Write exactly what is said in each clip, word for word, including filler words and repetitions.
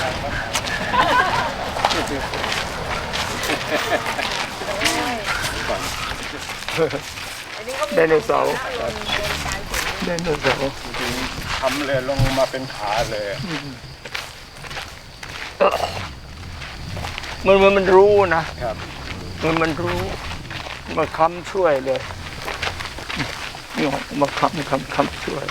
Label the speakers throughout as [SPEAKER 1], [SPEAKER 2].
[SPEAKER 1] ไดโนเสาร์ไดโนเสาร์
[SPEAKER 2] ทำเลยลงมาเป็นขาเลย
[SPEAKER 1] มันมันมันรู้นะครับมันมันรู้มาค้ำช่วยเลยนี่มาค้ำค้ำค้ำช่วย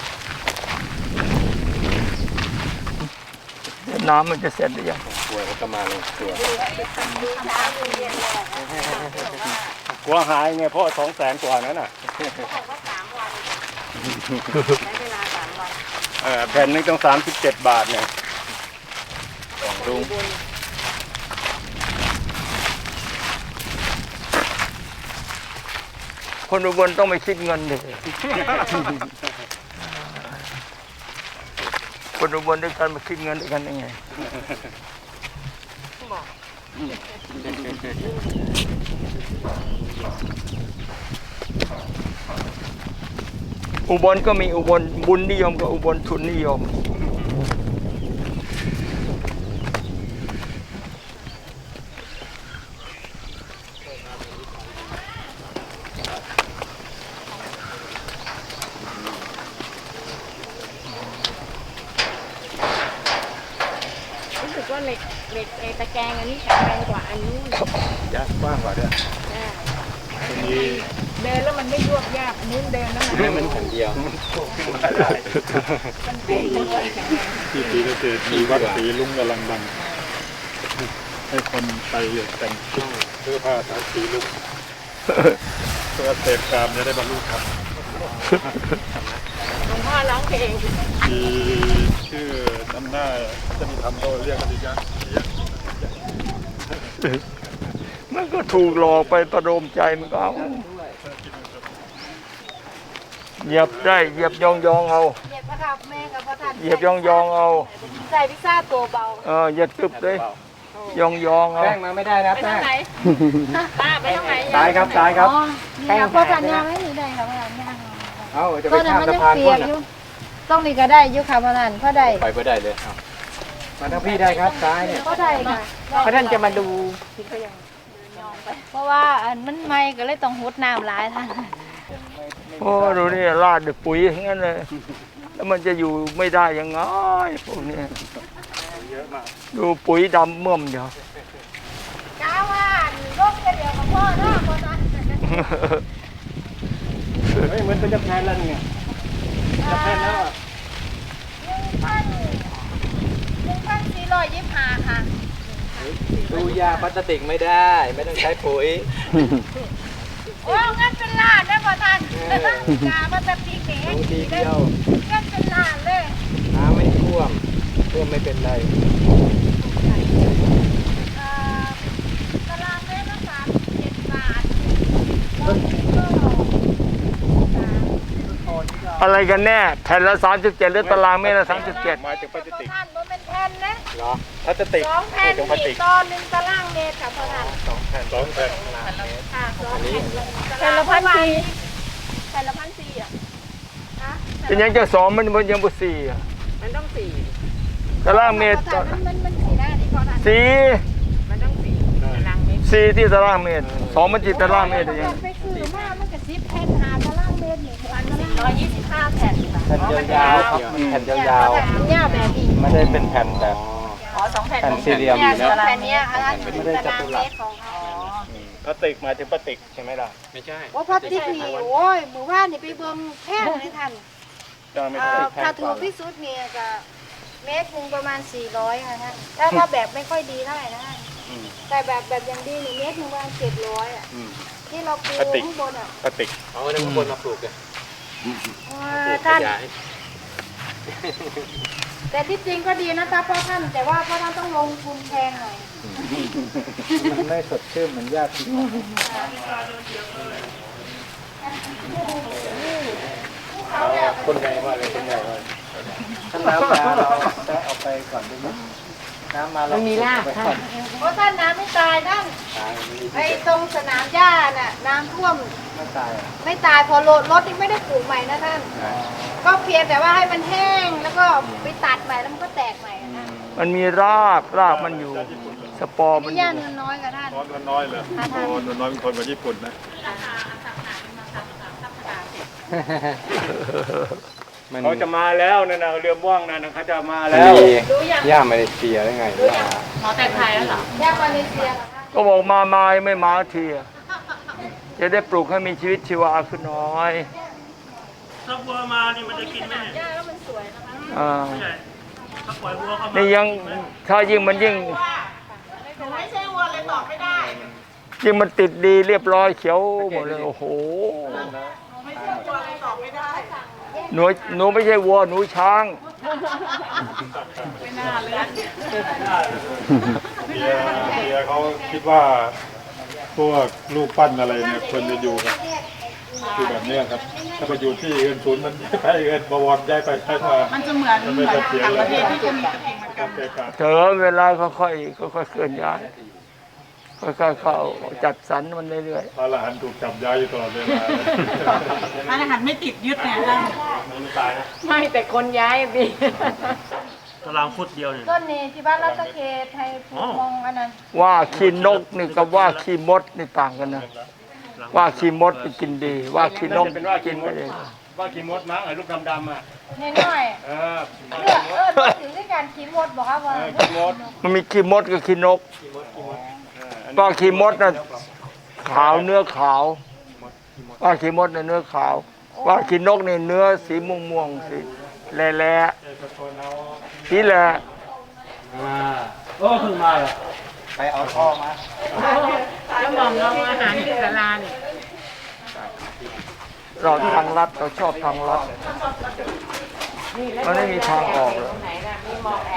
[SPEAKER 1] น้ำมันจะเสร็จหรือยัง
[SPEAKER 2] กลัวก็มาเลยกลัวกลัวหายไงพ่อสองแสนกว่านั้นอ่ะแผ่นนึงต้องสามสิบเจ็ดบาทเนี่ยลุง
[SPEAKER 1] คนอุบลต้องไม่คิดเงินเลยคนอุบลด้วยกันมาคิดเงินด้วยกันยังไงอุบลก็มีอุบลบุญนิยมกับอุบลทุนนิยม
[SPEAKER 3] รู้สึกว่าเหล็กเหล็กไอ้ตะแกรงอันนี้แข็งแรงกว่าอันนู้น
[SPEAKER 2] ยากกว้างกว่าด้วย
[SPEAKER 3] เดินแล้วมันไม่ยวบยากนู้นเดินแล้วมัน
[SPEAKER 2] มันแข็งเดียว
[SPEAKER 3] มันเป็นเลย
[SPEAKER 2] ที่ปีก็คือที่วัดศรีลุงกำลังดังให้คนไปแต่งชุดเสื้อผ้าสายสีลุงเพื่อเสพกามจะได้บรรลุธรรม
[SPEAKER 3] หลวงพ่อร้องเพลง
[SPEAKER 2] มีชื่อน้ำหน้าจะมีทำโตเรียกกันดีจ้ะ
[SPEAKER 1] มันก็ถูกหลอกไปประโลมใจมันก็เอาเหยียบได้เหยียบยองยองเอา
[SPEAKER 3] เหยียบพระครับแม่กับพระท่าน
[SPEAKER 1] เหยียบยองยองเอา
[SPEAKER 3] ใส่พิซซ่าตัวเบา
[SPEAKER 1] เออเหยียดกึบเลยยองยองเอา
[SPEAKER 2] แป้งมาไม่ได้นะ
[SPEAKER 3] แป้งไปทางไหนป้าไปทางไหน
[SPEAKER 2] ซ้ายครับซ้ายครับ
[SPEAKER 3] แป้งพระท่านย่างไม่มีได้ค่ะพระท่านย่าง
[SPEAKER 2] เอาจะไปข้ามสะพาน
[SPEAKER 3] พุ่นต้องนี่ก็ได้ยุคค่ะพระท่านพระได้
[SPEAKER 2] ไปเพื่อได้เลยมาทางพี่ได้ครับซ้ายเนี่ย
[SPEAKER 3] พระได้ค่ะ
[SPEAKER 2] พระท่านจะมาดู
[SPEAKER 3] เพราะว่าอันมันไม่ก็เลยต้องหดน้ำหลายท่าน
[SPEAKER 1] โอ้ดูนี่ราดด้วยปุ๋ยอย่างนั้นเลยแล้วมันจะอยู่ไม่ได้ยังไงพวกนี้ดูปุ๋ยดำเมื่อมเดียว
[SPEAKER 3] ก้าวว่าลูกจะเดียวกับพ่อเนาะพ่อนั้น
[SPEAKER 2] เฮ้ยเหมือนเป็นจะแพนแล้วเนี่ยจะแพนแล้วอ่ะ
[SPEAKER 3] หนึ่งพันหนึ่งพันสี่ร้อยยี่สิบห้าค่ะ
[SPEAKER 2] ดูยาพลาสติกไม่ได้ไม่ต้องใช้ปุ๋ย
[SPEAKER 3] โอ้งั้นเป็นล้านได้ป่ะท่านยาพลาสติกเอง
[SPEAKER 2] ทีเดียว
[SPEAKER 3] งั้นเป็นล้านเลย
[SPEAKER 2] น้ำไม่ท่วมท่วมไม่เป็นไร
[SPEAKER 3] ตารางเมตรละสามสิบเจ็ดบาท
[SPEAKER 1] อะไรกันแน่แผ่นละสามสิบเจ็ดหรือตารางเมตรละสามสิบเจ็ด
[SPEAKER 2] มาจากพลาสติก
[SPEAKER 3] ท่านมันเป็นแผ่นนะ
[SPEAKER 2] เหรอพลาสติก
[SPEAKER 3] สองแผ่นนี่ตอนหนึ่งตารางเมตรค่ะพ่อท่าน
[SPEAKER 2] สองแผ่นสองแผ่น
[SPEAKER 3] ค่ะสองแผ่นแผ่นละพันสี่แผ่นละพันสี่อ่ะ
[SPEAKER 1] เป็นยังจะสองมันมันยังบ่สี่อ่ะ
[SPEAKER 3] มันต้องสี่
[SPEAKER 1] ตารางเมตร
[SPEAKER 3] มันมันสี่ได้ที่พ่อท่าน
[SPEAKER 1] สี่
[SPEAKER 3] มันต้องสี่ตารางเมตร
[SPEAKER 1] สี่ที่ตารางเมตรสองมันจีตารางเมตรยัง
[SPEAKER 3] ไปซื้อมามันก็สิบแผ่นหาตารางเมตรอยู่วันสี่ร้อยยี่สิบห้าแผ่น
[SPEAKER 2] แผ่นยาวๆครับแผ่นยาว
[SPEAKER 3] ๆยาวแบบนี้
[SPEAKER 2] ไม่ได้เป็นแผ่นแบบ
[SPEAKER 3] อ๋อสองแผ่น
[SPEAKER 2] แผ่นสี่เหลี่ยม
[SPEAKER 3] เนี่ยสองแผ่นเนี้ยอันนี้ตารางเมตรของเขา
[SPEAKER 2] พลาสติกมาถึงพลาสติกใช่ไหมล่ะไม่ใช่
[SPEAKER 3] ว่าพลาสติกนี่โอ้ยหมู่บ้านนี่ไปเบิ่งแพงเลยท่านถ้าถูกที่สุดเนี่ยก็เมตรหนึ่งประมาณสี่ร้อยค่ะท่านถ้าถ้าแบบไม่ค่อยดีเท่าไหร่นะท่านแต่แบบแบบอย่างดีนี่เมตรหนึ่งประมาณเจ็ดร้อยอ่ะที่เราปลูกข้างบนอ่ะ
[SPEAKER 2] พลาสติกเอาไว้ข้างบนมาปลูกเลย
[SPEAKER 3] ท่านแต่ที่จริงก็ดีนะจ๊ะพ่อท่านแต่ว่าพ่อท่านต้องลงทุนแพงหน่อย
[SPEAKER 2] มันไม่สดชื่นเหมือนญาติคนใหญ่ว่าเลยคนใหญ่ว่าถ้าน้ำมาเราจะเอาไปก่อนได้ไหมน้ำมาเรา
[SPEAKER 3] มีรากท่านเพราะท่านน้ำไม่ตายท่านไอ้ตรงสนามหญ้าน่ะน้ำท่วม
[SPEAKER 2] ไม่ตาย
[SPEAKER 3] ไม่ตายพอรถรถนี่ไม่ได้ปลูกใหม่นะท่านก็เพียงแต่ว่าให้มันแห้งแล้วก็ไปตัดใหม่แล้วมันก็แตกใหม่นะ
[SPEAKER 1] มันมีรากรากมันอยู่ สปอร์มัน
[SPEAKER 3] นี่
[SPEAKER 1] อยู่
[SPEAKER 3] ย่าเนื้อน้อยกับท่าน
[SPEAKER 2] ร้อนน้อยเลยโอ้นน้อยเป็นคนมาญี่ปุ่นนะ
[SPEAKER 4] เขาจะมาแล้วนั่นนะเรือม่วงนั่นนะเขาจะมาแล้ว
[SPEAKER 5] ย่ามาเลเซียได้ไง
[SPEAKER 6] หมอแต่งไทยแล้วเหรอ
[SPEAKER 3] ย่ามาเลเซียกับท่าน
[SPEAKER 1] ก็บอกมามาไม่มาทีอะจะได้ปลูกให้มีชีวิตชีวาขึ้นหน้อย
[SPEAKER 7] ถ้าวัวมานี่มันจะกินไหม
[SPEAKER 3] ย่าแล้วมันสวยนะคะ
[SPEAKER 1] อ่า
[SPEAKER 7] ใช่ถ้าปล่อยวัวเข้ามา
[SPEAKER 1] นี่ยังถ้ายิ่งมันยิ่ง
[SPEAKER 6] ไม่ใช่วัวเลยตอบไม่ได้
[SPEAKER 1] ยิ่งมันติดดีเรียบร้อยเขียวหมดเลยโอ้โห
[SPEAKER 6] ไม่ใช่วัวเลยตอบไม่ได้
[SPEAKER 1] หนูหนูไม่ใช่วัวหนูช้าง
[SPEAKER 6] ไม่น่าเลย
[SPEAKER 2] เบียร์เบียร์เขาคิดว่าพวกลูกปั้นอะไรเนี่ยควรจะอยู่กับอยู่แบบเนี้ยครับ ถ้าไปอยู่ที่อื่นศูนย์มันไปอื่นบวรย้ายไปย้ายมา
[SPEAKER 6] มันจะเหมือนเหมือนต่างประเทศที่จะมีกระทิงเหมือนกัน
[SPEAKER 2] เกะกะ
[SPEAKER 1] เถอเวลาค่อยๆค่อยๆเคลื่อนย้ายค่อยๆเข้าจัดสรรมันเรื่อย
[SPEAKER 2] พระอรหันต์ถูกจับย้ายอยู่ตลอดเวลา
[SPEAKER 6] ร้านอาหารไม่ติดยึดเนี่ยท่าน
[SPEAKER 8] ไม่แต่คนย้ายพี่
[SPEAKER 7] ตารางฟุตเดียวเนี่ย
[SPEAKER 3] ต้นนี้ที่บ้านรัตเขตไทยภูมองอันนั้น
[SPEAKER 1] ๆว่าขี้นกนี่กับว่าขี้มดนี่ต่างกันนะว่าขี้มดไปกินดี ว่าขี้นกกินไม่ได้
[SPEAKER 4] ว่ากี่มดมั้งไอ้ลูกดำๆอ่ะ
[SPEAKER 3] น้อย
[SPEAKER 4] เออ
[SPEAKER 3] ๆเลือกเออพูดถึงด้วยการขี่มดบอกครับว่า
[SPEAKER 4] กี่มด
[SPEAKER 1] มันมีขี้มดกับขี้นกว่าขี้มดน่ะขาวเนื้อขาว ว่าขี้มดน่ะเนื้อขาว ว่าขี้นกนี่เนื้อสีม่วงม่วงๆสีแหล่ๆสีแหล่
[SPEAKER 7] โอ้เพิ่งมาเหรอ
[SPEAKER 5] ไปเอาท่อมา
[SPEAKER 8] แล้วมองน้องอาหารที่ศาลาเนี่ย
[SPEAKER 1] เราทางลัดเราชอบทางลัดมันไม่มีทางออกเลย
[SPEAKER 8] ไหนน่ะมีมองแอบ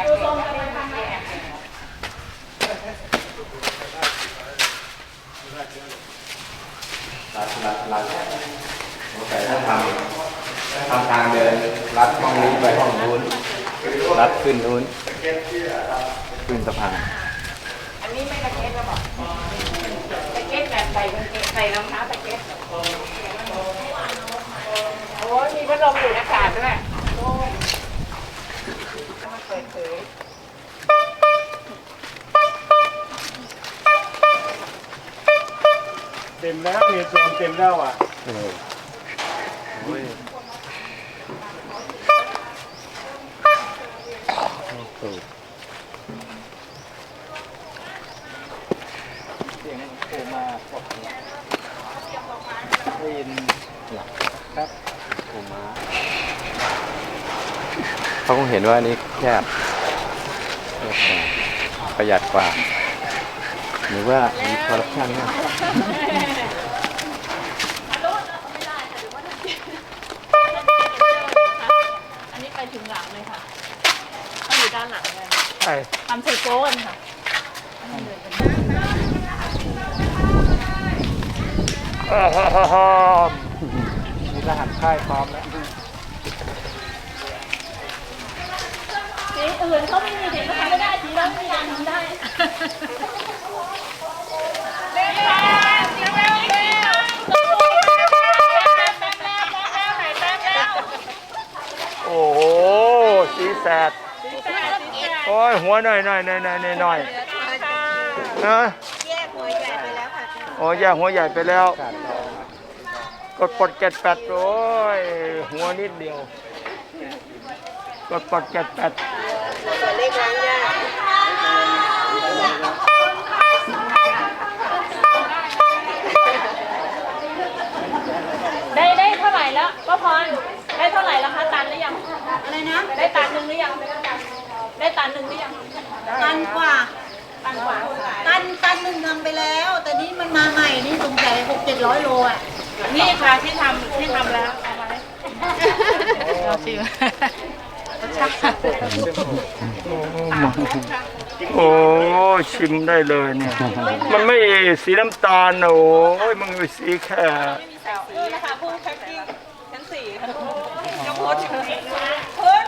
[SPEAKER 5] รัดรัดรัดแต่ถ้าทำทำทางเดินรัดห้องนี้ไปห้องนู้นรัดขึ้นนู้นขึ้นสะพาน
[SPEAKER 8] อันนี้ไม่ตะเก็ตแล้วบอกตะเก็ตแบบใส่กางเกงใส่รองเท้าตะเก็ตโอ้ยมีพัดลมดูดอากาศด้วยโอ้ยมันเปิดเผย
[SPEAKER 4] เต็มแล้วเนี่ยตัวเต็มแล้วอ่ะ
[SPEAKER 5] เขาคงเห็นว่าอันนี้แคบประหยัดกว่า หรือว่ามีคอร์รัปชันมาก
[SPEAKER 6] อันนี้ไปถึงหลังเลยค่ะเขาอยู่ด้านหลังเลย
[SPEAKER 1] ใช่
[SPEAKER 6] ทำไซโก้กันค่ะ
[SPEAKER 1] อ่าฮ่าฮ่าฮ่า
[SPEAKER 5] มีรหัสค่ายพร้อมแล้ว
[SPEAKER 6] สีอื่นเขาไม่มีสีเขาทำไม่ได้สีเราไม่มีทำได้
[SPEAKER 1] โอ้โหสีแสดโอ้ยหัวหน่อยหน่อยหน่อยหน่อยหน่อยหน่อยนะ
[SPEAKER 3] แยกหัวใหญ่ไปแล้วค่ะ
[SPEAKER 1] โอ้ยแยกหัวใหญ่ไปแล้ว กดปลดเจ็ดแปดโอ้ยหัวนิดเดียว กดปลดเจ็ดแปด
[SPEAKER 3] ตัวเล็กล้างยาก
[SPEAKER 6] ได้ได้เท่าไหร่แล้วป้าพรได้เท่าไหร่แล้วคะตันหรือยัง
[SPEAKER 3] อะไรนะ
[SPEAKER 6] ได้ตันหนึ่งหรือยัง ได้ตันหนึ่งหรือยัง
[SPEAKER 3] ตันกว่า
[SPEAKER 6] ตันกว่า
[SPEAKER 3] ตันตันหนึ่งทำไปแล้ว แต่นี่มันมาใหม่นี่สงสัยหกเจ็ดร้อยโลอ่ะ
[SPEAKER 6] นี่ค่ะที่ทำที่ทำแล้วเอามาเลยเราชิม
[SPEAKER 1] โอ้ชิมได้เลยเนี่ย มันไม่สีน้ำตาลนะโอ้ยมันเป็นสีแค่
[SPEAKER 6] นี่นะคะผู้แพ็คกิ้งชั้นสี่ค่ะยกโพสต์ถึงนี้เฮ้ย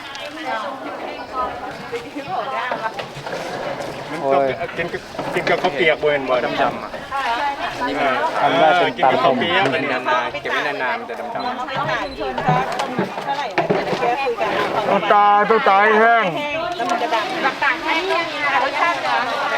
[SPEAKER 4] มันก็กินกินกับข้าวเปียกเวนบ่ดำๆอ่ะ
[SPEAKER 5] ทำได้เป็น
[SPEAKER 4] กิน
[SPEAKER 5] ตาม
[SPEAKER 4] กับ
[SPEAKER 5] ต
[SPEAKER 4] ข้าว
[SPEAKER 5] ม
[SPEAKER 4] เปียก
[SPEAKER 5] เป็นนานๆเก็บไว้นานๆมันจะดำ
[SPEAKER 6] ต้องหาชุมชนครับเท่าไหร่แกคุยกัน
[SPEAKER 1] ต้องตาต้องตายแห้ง
[SPEAKER 6] แห้ง
[SPEAKER 8] แล้วมันจะดังต่างๆแห้งก็มีรสชาติจะ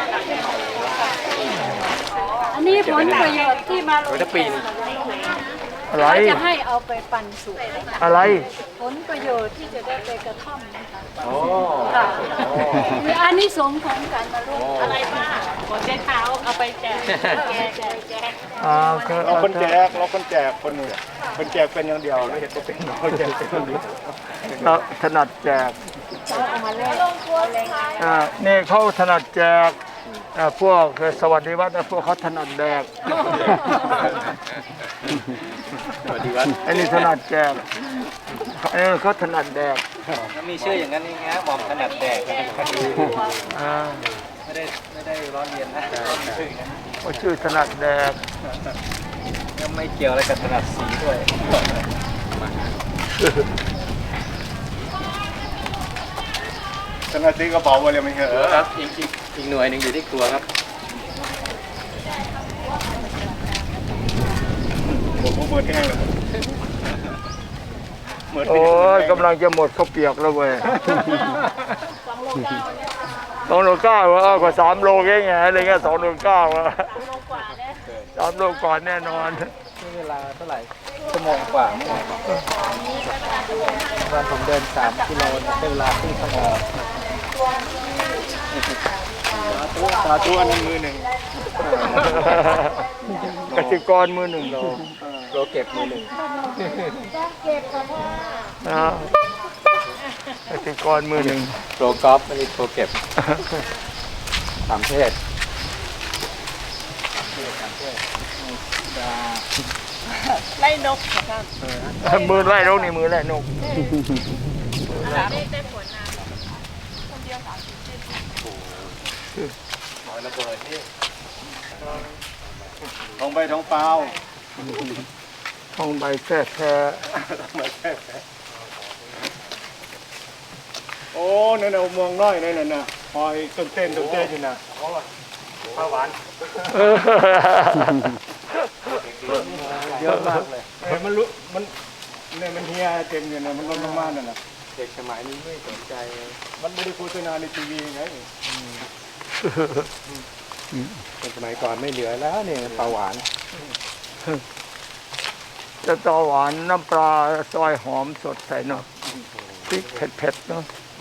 [SPEAKER 9] อันนี้ผลประโยชน์ที่มาลง
[SPEAKER 5] จะปีน
[SPEAKER 1] อะไร
[SPEAKER 9] เขาจะให้เอาไปปั่นสุก
[SPEAKER 1] อะไร
[SPEAKER 9] ผลประโยชน์ที่จะได้ไปกระท่อมนะคะ
[SPEAKER 5] โอ้
[SPEAKER 9] ค่ะมีอานิสงส์ของการมาร่วม
[SPEAKER 6] อะไรบ้างหัวใจเท้าเอาไปแจก
[SPEAKER 9] แจกแจกแจก
[SPEAKER 1] อ่าคือ
[SPEAKER 2] เราคนแจกเราคนแจกคนหนึ่งคนแจกเป็นอย่างเดียวไม่เห็นจะเป็นเราแจกเป็นอย่างเดียว
[SPEAKER 1] เราถนัดแจก
[SPEAKER 9] เอามาแลก
[SPEAKER 1] อ่านี่เขาถนัดแจกอ่าพวกสวัสดิวัฒน์นะพวกเขาถนัดแดก
[SPEAKER 5] สวัสดีครับ
[SPEAKER 1] อันนี้ถนัดแจกอันนี้เขาถนัดแดก
[SPEAKER 5] มีชื่ออย่างนั้นนี่ฮะหม่อมถนัดแดก
[SPEAKER 1] อ่า
[SPEAKER 5] ไม่ได้ไม่ได้ร้อนเรียนนะชื่อ
[SPEAKER 1] เขาชื่อถนัดแดก
[SPEAKER 5] ยังไม่เกี่ยวอะไรกับถนัดสีด้วย
[SPEAKER 2] ขนาดที่กระเป๋าไว้เลยไม่เหรอ
[SPEAKER 5] ครับอีกอีกอีกหน่วยหนึ่งอยู่ที่ครัวครับ
[SPEAKER 2] ผมก็เปิดแห้งเลยเหมือน
[SPEAKER 1] โอ้ยกำลังจะหมดข้าวเปียกแล้วเว้ยสองโลเก้าวะกว่าสามโลแค่ไงอะไรเงี้ยสองโลเก้าวะสามโลก่อนแน่นอน
[SPEAKER 5] นี่เวลาเท่าไหร่ชั่วโมงกว่าวันผมเดินสามกิโลใช้เวลาครึ่งชั่วโมง
[SPEAKER 2] สาธุอันนั้นมือหนึ่ง
[SPEAKER 1] กสิกรมือหนึ่งโล
[SPEAKER 5] โลเก็บมือหนึ่ง
[SPEAKER 1] นะกสิกรมือหนึ่ง
[SPEAKER 5] โลกอล์ฟไม่ใช่โลเก็บสามเพศ
[SPEAKER 6] ไล่นกค่ะ
[SPEAKER 1] มือไล่นกนี่มือไล่นก
[SPEAKER 6] ได้ได้ผลนะ
[SPEAKER 5] หอยระเบิดนี่
[SPEAKER 2] ท้องใบท้องเปล่า
[SPEAKER 1] ทองใบแท้แท้
[SPEAKER 2] โอ้นั่นน่ะเมืองน้อยนั่นน่ะหอยต้นเต้นต้นเต้นอยู่น่ะข้าวหวาน
[SPEAKER 5] เยอะมากเลย
[SPEAKER 2] เอ้ยมันรู้มันเนี่ยมันเฮียเต็มอยู่น่ะมันล้นลงมานั่นน่ะ
[SPEAKER 5] เด็กสมัยนี้ไม่สนใจ
[SPEAKER 2] มันไม่ได้โฆษณาในทีวีไง
[SPEAKER 5] คนสมัยก่อนไม่เหลือแล้วเนี่ยปลาหวาน
[SPEAKER 1] จะตอหวานน้ำปลาซอยหอมสดใส่เนาะพริกเผ็ดๆเนาะ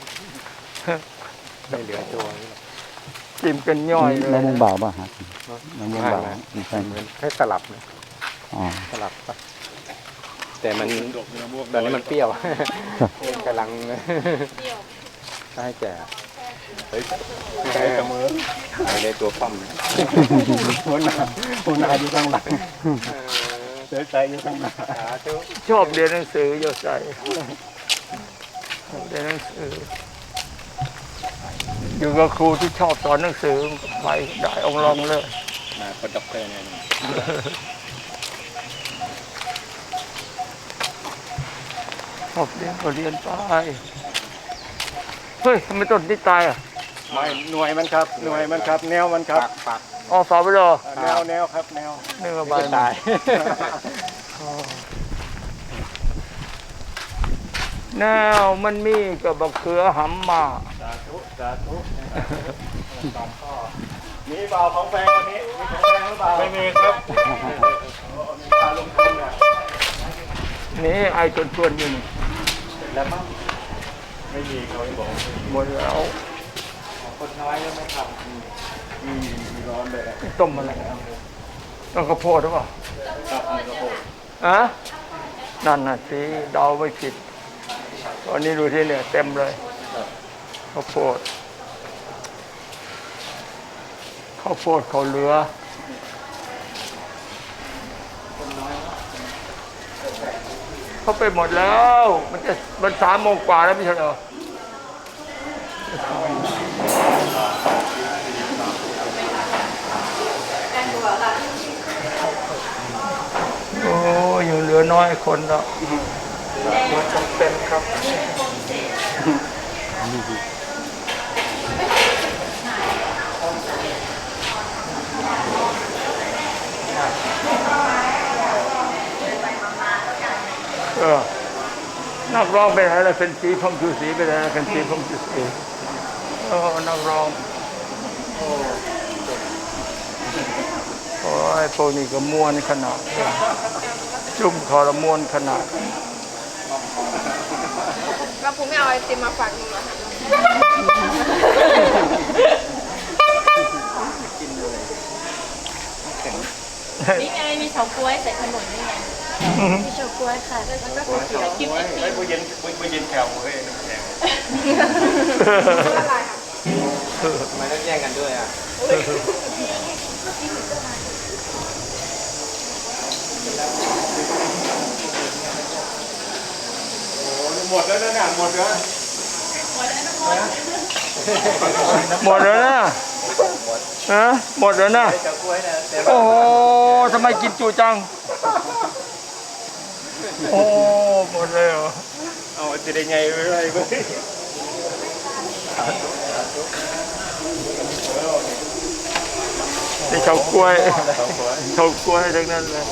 [SPEAKER 5] ไม่เหลือตัวนี่
[SPEAKER 1] จิ้มเป็นย่อยเลย
[SPEAKER 10] มะม่วงเบาป่ะฮะมะม่วงเบาไม่ใช่
[SPEAKER 5] เหมือนแค่สลับนะ
[SPEAKER 10] อ๋อ
[SPEAKER 5] สลับปะแต่มันตอนนี้มันเปรี้ยวกำลังให้แก่เฮ้ยใช้กระมือไม่ได้ตัวปั้มนะ
[SPEAKER 2] หัวหน้าหัวหน้าอยู่ข้างหลังเสือใจอยู่ข้างหน้า
[SPEAKER 1] ชอบเรียนหนังสือโยใส่เรียนหนังสือ อยู่กับครูที่ชอบสอนหนังสือไปได้องค์รองเลย
[SPEAKER 5] มาคนด็อกเตอร์เนี่ย
[SPEAKER 1] ชอบเรียนก็เรียนไปเฮ้ยทำไมต้นนี้ตายอ่ะ
[SPEAKER 2] ไม่หน่วยมันครับหน่วยมันครับ แนวมันครับ
[SPEAKER 5] ปัก
[SPEAKER 1] อ๋อฝาไปเลย
[SPEAKER 2] แนวแนวครับแนว
[SPEAKER 1] เนื้อใบ
[SPEAKER 5] ไม่ตาย
[SPEAKER 1] แนวมันมีกับบักเขือหำมา
[SPEAKER 2] สาธุสาธุมีเปล่าของแพงวันนี้มีของแพงหรือเปล่าไม่มีครับมีการลงทุนอ่ะ
[SPEAKER 1] นี่ไอ้ชวนชวนๆอยู่นี่
[SPEAKER 5] แล้วมั้ง
[SPEAKER 2] ไม่มีเขาไม่บอก
[SPEAKER 1] หมดแล้ว
[SPEAKER 5] คนน้อยก็ไม่ท
[SPEAKER 2] อืมมีร้อนเลยอะ
[SPEAKER 1] ต้มอะไรต้องข้าวโพดหรือเปล่า
[SPEAKER 2] ครับมีกระโปง
[SPEAKER 1] อะนั่นน่ะสิเดาไม่ผิดตอนนี้ดูที่เนี่ยเต็มเลยข้าวโพดข้าวโพดเขาวเหลือเขาไปหมดแล้ว มันจะมันสามโมงกว่าแล้วไม่ใช่เหรอโอ้ยังเหลือน้อยคนแล้วมันจำเป็นครับเออนักร้องไปไหนล่ะเป็นสีพงชูสีไปไหนล่ะเป็นสีพงชูสีโอ้นักร้องโอ้โอ้ยพวกนี้ก็ม่วนขนาดจุ่มคอละม่วนขนาด
[SPEAKER 6] แล้วผมไม่เอาไอติมมาฝากมึงเหรอคะ
[SPEAKER 9] นี่ไงมีเฉาก๊วยใส่ขนมนี่ไงมีเฉาก๊วยค่ะแล้วก็ก๋วยเตี๋ยวกินไอติม
[SPEAKER 4] ไอ้ผู้เย็นผู้เย็นแถวเฮ้ยน้ำแข็ง
[SPEAKER 5] ทำไมต้องแย่งกันด้วยอ่ะ
[SPEAKER 4] หมดแล้วนะหมดแล้ว
[SPEAKER 1] หมดแล้วนะฮะหมดแล้วนะโอ้โหทำไมกินจูจังโอ้หมดเลยเหรอ
[SPEAKER 4] เอาจะได้ไงไม่ไรเว้ย
[SPEAKER 1] นี่เฉากล้วยเฉากล้วยทั้งนั้นเลย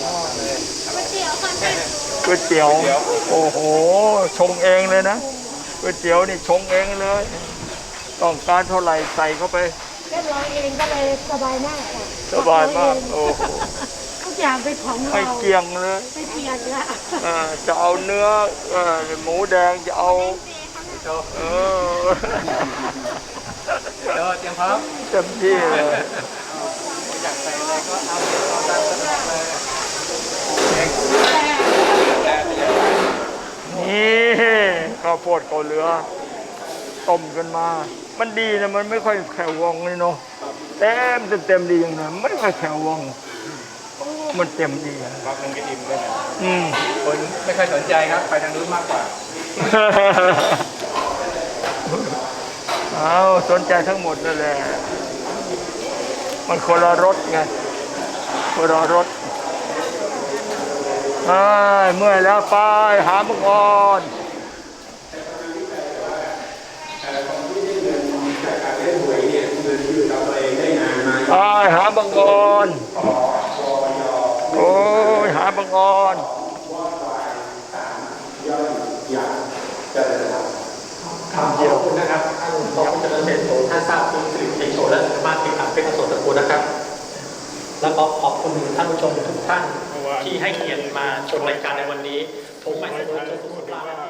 [SPEAKER 1] ก๋วยเตี๋ยวโอ้โหชงเองเลยนะก๋วยเตี๋ยวนี่ชงเองเลยต้องการเท่าไหร่ใส่เข้าไป
[SPEAKER 9] เรียบร้อยเองก็เลยสบายมากค่ะ
[SPEAKER 1] สบายมากโอ้โห
[SPEAKER 9] ทุกอย่างเป็นของเรา
[SPEAKER 1] ไม่เกี่ยงเลย
[SPEAKER 9] ไม่เพียงละ
[SPEAKER 1] เอ่อจะเอาเนื้อเอ่อหมูแดงจะเอาเออ
[SPEAKER 5] เดี๋ยวเตรียมพร้อม
[SPEAKER 1] เต็มที่เลย
[SPEAKER 5] อยากใส่อะไรก็เอาเอาตามสะดวกเลย
[SPEAKER 1] นี่ข้าวโพดเกาเหลือต้มกันมา มันดีนะมันไม่ค่อยแข็งวองเลยเนาะเต็มเต็มเต็มดีอย่างนั้นไม่ค่อยแข็งวองมันเต็มดีอะ
[SPEAKER 5] พักนึงก็อิ่มด้วยนะ
[SPEAKER 1] อืม
[SPEAKER 5] คนไม่ค่อยสนใจครับ ไปทางนู้นมากกว่า
[SPEAKER 1] เอาสนใจทั้งหมดนั่นแหละมันคนละรถไงคนละรถไปเมื่อยแล้วไปหามังกรไปหาบังกรโอ้ยหาบังกร
[SPEAKER 11] ขอบคุณนะครับท่านรองผู้จัดการเศรษฐโสท่านทราบคุณสิริเอกโสและสามารถติดตามเป็นกระทรวงตระกูลนะครับ แล้วก็ขอบคุณท่านผู้ชมทุกท่านที่ให้เกียรติมาชมรายการในวันนี้ผมหมายถึงว่า